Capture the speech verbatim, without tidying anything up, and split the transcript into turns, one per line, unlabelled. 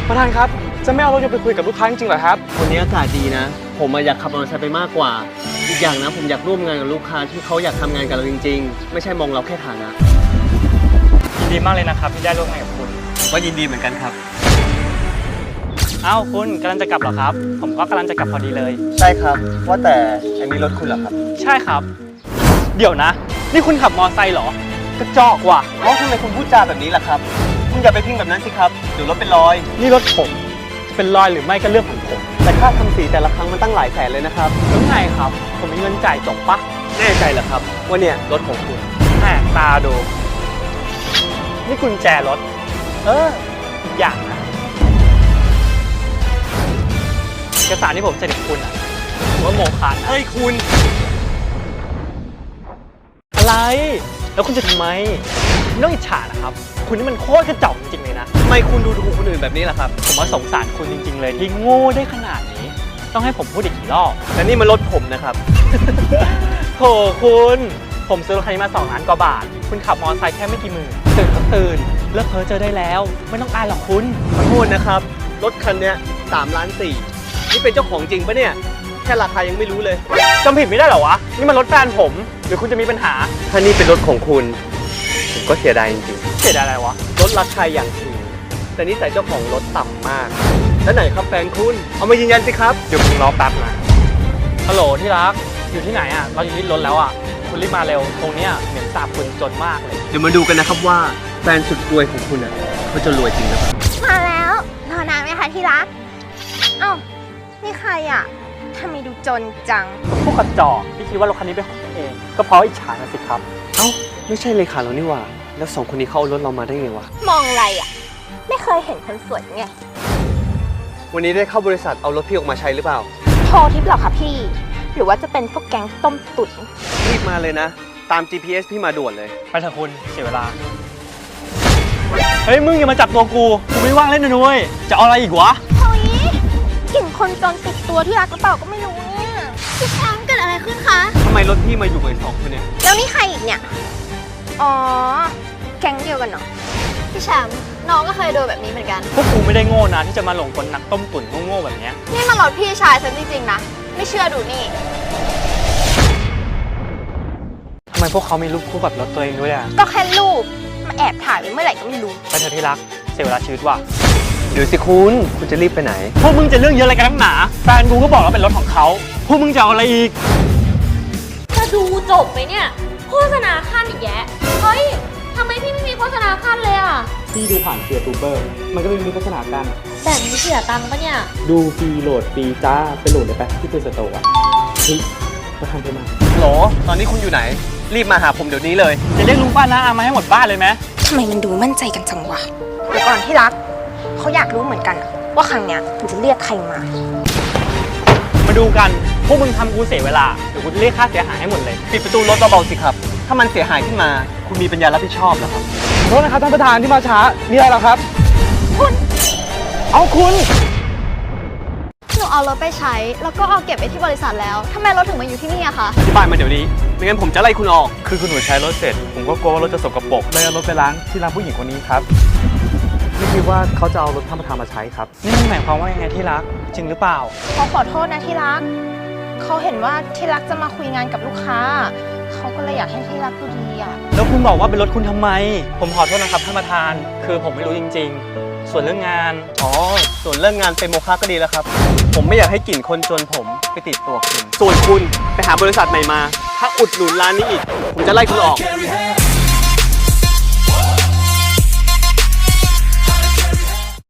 ประธานครับจะไม่เอารถยนต์ไปคุยกับลูกค้าจริงๆเหรอครับ
วันนี้อากาศดีนะผมอยากขับมอเตอร์ไซค์ไปมากกว่าอีกอย่างนะผมอยากร่วมงานกับลูกค้าที่เขาอยากทำงานกับเราจริงๆไม่ใช่มองเราแค่ฐานะ
ยินดีมากเลยนะครับที่ได้ร่วมงานกับคุณ
ก็ยินดีเหมือนกันครับ
อ้าวคุณกำลังจะกลับเหรอครับผมก็กำลังจะกลับพอดีเลย
ใช่ครับว่าแต่อันนี้รถคุณเหรอครับ
ใช่ครับเดี๋ยวนะนี่คุณขับมอเตอร์ไซค์เหรอกระจอกว่ะ
เอ้าทำไมคุณพูดจาแบบนี้ล่ะครับคุณอย่าไปพิงแบบนั้นสิครับเดี๋ยวรถเป็นรอย
นี่รถผมเป็นรอยหรือไม่ก็เรื่องของผม
แต่ค่าทำสีแต่ละครั้งมันตั้งหลายแสนเลยนะครับ
แล้วไงครับผมมีเงินจ่ายจบปะ
แน่ใจเหรอครับว่าเนี่ยรถของคุณ
แหมตาดูนี่กุญแจรถเอออีกอย่างนะเอกสารที่ผมเซ็นกับคุณอ่ะผมว่าโมฆะ
เฮ้ยคุณ
อะไรแล้วคุณจะทำไมไม่ต้องอิจฉานะครับคุณนี่มันโคตรกระจอกจริงๆเลยนะ
ทำไมคุณดูถูกคนอื่นแบบนี้ล่ะครับ
ผมว่าสงสารคุณจริงๆเลยที่โง่ได้ขนาดนี้ต้องให้ผมพูดอีกกี่รอบ
แต่นี่มันรถผมนะครับ
โถคุณผมซื้อรถคันนี้มาสองล้านกว่าบาทคุณขับมอเตอร์ไซค์แค่ไม่กี่หมื่นตื่นก็ตื่นเลิกเพ้อเจอได้แล้วไม่ต้องอายหรอกคุณ
ขอโทษนะครับรถคันนี้สามล้านสี่นี่เป็นเจ้าของจริงปะเนี่ยแค่ราคายังไม่รู้เลย
จำผิดไม่ได้หรอวะนี่มันรถแฟนผมหรือคุณจะมีปัญหา
ถ้านี่เป็นรถของคุณผมก็เสียดายจริง
ๆเสียดายอะไรวะ
รถราคาอย่างสูงแต่นิสัยเจ้าของรถต่ำมากแล้วไหนครับแฟนคุณเอามายืนยันสิครับ
เดี๋ยวคุณรอแป๊บนะฮัลโหลที่รักอยู่ที่ไหนอ่ะเราอยู่ที่รถแล้วอ่ะคุณรีบมาเร็วตรงเนี้ยเหม็นสาบคุณจนมากเลย
เดี๋ยวมาดูกันนะครับว่าแฟนสุดรวยของคุณอ่ะเขาจะรวยจริงหรือเปล่า
มาแล้วรอนานไหมคะที่รักเอ้านี่ใครอ่ะทำไมดูจนจัง
พวกกระจอกที่คิดว่ารถคันนี้เป็นของตัวเองก็เพราะอิจฉาสิครับ
เอ้าไม่ใช่เลยค่ะเรานี่หว่าแล้วสองคนนี้เข้ารถเรามาได้ไงวะ
มองอะไรอ่ะไม่เคยเห็นคนสวยไง
วันนี้ได้เข้าบริษัทเอารถพี่ออกมาใช้หรือเปล่า
โทรทิปหรอคะพี่หรือว่าจะเป็นพวกแก๊งต้มตุ๋น
รีบมาเลยนะตาม จี พี เอส พี่มาด่วนเลย
ไปเถอะคุณเสียเวลาเฮ้ยมึงอย่ามาจับตัวกูกูไม่ว่างเล่นนะนุ้ยจะเอาอะไรอีกวะ
เฮ้ยกลิ่นคนจนติดตัวที่รักหรือเปล่าก็ไม่รู้เนี่ยพี่แชมป์เกิดอะไรขึ้นคะ
ทำไมรถพี่มาอยู่กับไอ้สองคนเนี่ย
แล้วนี่ใครอีกเนี่ยอ๋อแก๊งเดียวกันเนาะพี่แชมป์น้องก็เคยโดนแบบนี้เหมือนกัน
พวกกูไม่ได้โง่นะที่จะมาหลงกลนักต้มตุ๋นโง่ๆแบบนี้
นี่มันรถพี่ชายฉันจริงๆนะไม่เชื่อดูนี่
ทำไมพวกเขามีรูปคู่กับรถตัวเองด้วยอ่ะ
ก็แค่รูปมาแอบถ่ายไว้เมื่อไหร่ก็ไม่รู้
ไปเถอะที่รักเสียเวลาชีวิตว่ะ
เดี๋ยวสิคุณคุณจะรีบไปไหน
พวกมึงจะเรื่องเยอะอะไรกันนักหนาแฟนกูก็บอกว่าเป็นรถของเขาพวกมึงจะเอาอะไรอีก
จะดูจบไหมเนี่ยโฆษณาขั้นอีกแยะเฮ้ยทำไมพี่ไม่มีโฆษณาขั้นเลยอ่ะ
พี่ดูผ่านเฟียร์ทูเบอร์มันก็ไม่มีโฆษณากัน
แบบนี้เสียตังค์ปะเนี่ย
ดูฟรีโหลดฟรีจ้าไปโหลดได้ปะที่เพจสโตร์อ่ะเฮ้ยประธานไปมา
โหลตอนนี้คุณอยู่ไหนรีบมาหาผมเดี๋ยวนี้เลย
จะเรียกลุงป้าน้าอามาให้หมดบ้านเลยไหม
ทำไมมันดูมั่นใจกันจังวะเดี๋ยวก่อนที่รักเขาอยากรู้เหมือนกันว่าครั้งเนี้ยมันจะเรียกใครมา
มาดูกันพวกมึงทำกูเสียเวลาเดี๋ยวกูจะเรียกค่าเสียหายให้หมดเลย
ปิดประตูรถเบาๆสิครับถ้ามันเสียหายขึ้นมาคุณมีปัญญารับผิดชอบเหรอครับ
โทษนะครับท่านประธานที่มาช้ามีอะไรหรอครับ
คุณ
เอาคุณ
หนูเอารถไปใช้แล้วก็เอาเก็บไว้ที่บริษัทแล้วทำไมรถถึงมาอยู่ที่นี่อะคะ
อธิบายมาเดี๋ยวนี้ไม่งั้นผมจะไล่คุณออก
คือคุณหนูใช้รถเสร็จผมก็กลัวว่ารถจะสกปรกเลยเอารถไปล้างที่ร้านผู้หญิงคนนี้ครับไม่คิดว่าเขาจะเอารถท่านประธานมาใช้ครับนี่มันหมายความว่ายังไงที่รักจริงหรือเปล่า
เขาขอโทษนะที่รักเขาเห็นว่าที่รักจะมาคุยงานกับลูกค้าเขาก็เลยอยากให้ที่รักดูดีอ่ะ
แล้วคุณบอกว่าเป็นรถคุณทำไมผมขอโทษนะครับท่านประธานคือผมไม่รู้จริงๆส่วนเรื่องงาน
อ๋อส่วนเรื่องงานเป็นโมฆะก็ดีแล้วครับผมไม่อยากให้กลิ่นคนจนผมไปติดตัวคุณส่วนคุณไปหาบริษัทใหม่มาถ้าอุดหนุนร้านนี้อีกผมจะไล่คุณออก